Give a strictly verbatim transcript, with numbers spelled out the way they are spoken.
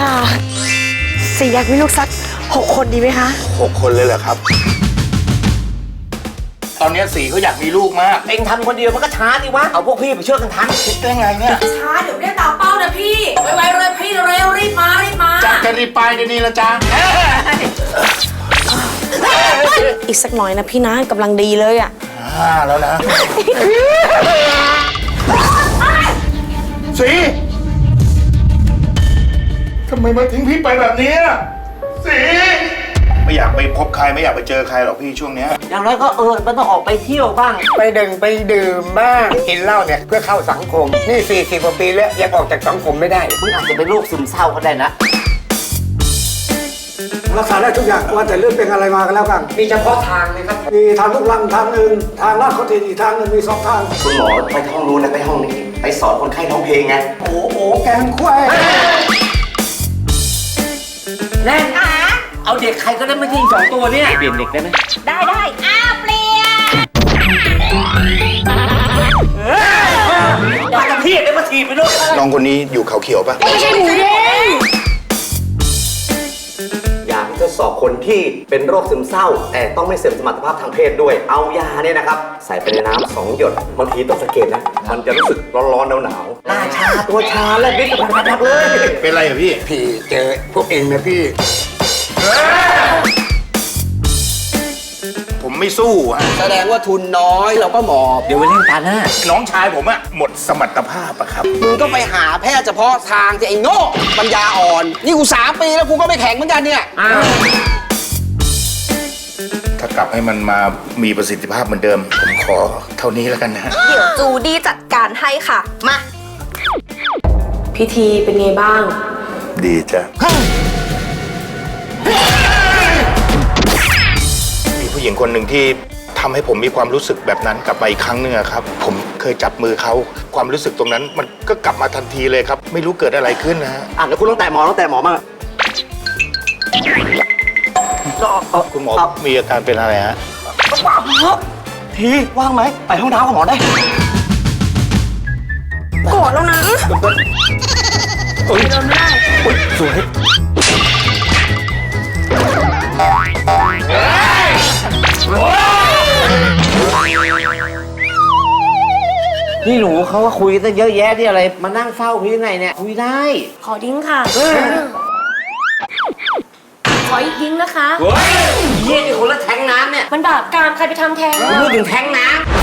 ค่ะสีอยากมีลูกสักหกคนดีไหมคะหกคนเลยเหรอครับตอนนี้สีเขาอยากมีลูกมากเองทำคนเดียวมันก็ช้าดิวะเอาพวกพี่ไปช่วยกันทำคิดได้ไงเนี่ยช้าเดี๋ยวไม่ได้ตามเป้านะพี่ไวๆเลยพี่เร็วรีบมารีบมาจะจะรีบไปเดี๋ยวนี้ละจ้าอีกสักหน่อยนะพี่นะกำลังดีเลยอ่ะห้าแล้วนะสีทำไมมาทิ้งพี่ไปแบบนี้สีไม่อยากไปพบใครไม่อยากไปเจอใครหรอกพี่ช่วงนี้อย่างน้อยก็เออมันต้องออกไปเที่ยวบ้างไปดื่มไปดื่มบ้างกินเหล้าเนี่ยเพื่อเข้าสังคมนี่สี่สิบกว่าปีแล้วยังออกจากสังคมไม่ได้มึงอาจจะเป็นโรคซึมเศร้าก็ได้นะรักษาได้ทุกอย่างว่าแต่เรื่องเป็นอะไรมากันแล้วกันมีเฉพาะทางเลยครับมีทางลูกลังทางหนึ่งทางลาดเขาทีอีกทางหนึ่งมีสองทางคุณหมอไปห้องนู้นนะไปห้องนี้ไปสอนคนไข้ร้องเพลงไงโอ้โหแกงควายแน่นเอาเด็กใครก็ได้ไม่ทิ้งสองตัวเนี่ยเปลี่ยนเด็กได้ไหมได้ได้อ้าวเปลี่ยนมากับพี่ได้มาถีบไปด้วยน้องคนนี้อยู่เขาเขียวปะไม่ใช่หมูเด้งยาที่ทดสอบคนที่เป็นโรคซึมเศร้าแต่ต้องไม่เสื่อมสมรรถภาพทางเพศด้วยเอายาเนี่ยนะครับใส่ไปในน้ำสองหยดบางทีต้องสังเกตนะมันจะรู้สึกร้อนๆหนาวๆหน้าชาตัวชาและนิดกระพักเลยเป็นไรเหรอพี่พี่เจอพวกเองนะพี่ผมไม่สู้ฮะแสดงว่าทุนน้อยเราก็หมอบเดี๋ยวไปเล่นตาหน้าน้องชายผมอะหมดสมรรถภาพอะครับมึงก็ไปหาแพทย์เฉพาะทางที่ไอ้โง่ปัญญาอ่อนนี่กูสามปีแล้วกูก็ไม่แข็งเหมือนกันเนี่ยถ้ากลับให้มันมามีประสิทธิภาพเหมือนเดิมผมขอเท่านี้แล้วกันนะเดี๋ยวจูดี้จัดการให้ค่ะมาพิธีเป็นไงบ้างดีจ้ะมีผู้หญิงคนหนึ่งที่ทำให้ผมมีความรู้สึกแบบนั้นกลับมาอีกครั้งหนึ่งครับผมเคยจับมือเขาความรู้สึกตรงนั้นมันก็กลับมาทันทีเลยครับไม่รู้เกิดอะไรขึ้นนะฮะอ่ะแล้วคุณต้องแตะหมอต้องแตะหมอมาคุณหมอมีอาการเป็นอะไรฮะทีว่างไหมไปห้องน้ำกับหมอได้กอดแล้วนะโอ้ยเดินไม่ได้สวยนี่หนูเขาว่าคุยตั้งเยอะแยะที่อะไรมานั่งเฝ้าพี่ไงเนี่ยคุยได้ขอดิ้งค่ะขออีกดิ้งนะคะเฮ้ยเยี่ยนี่คนละแทงน้ำเนี่ยมันบาปกรรมใครไปทำแทงพูดถึงแทงน้ำ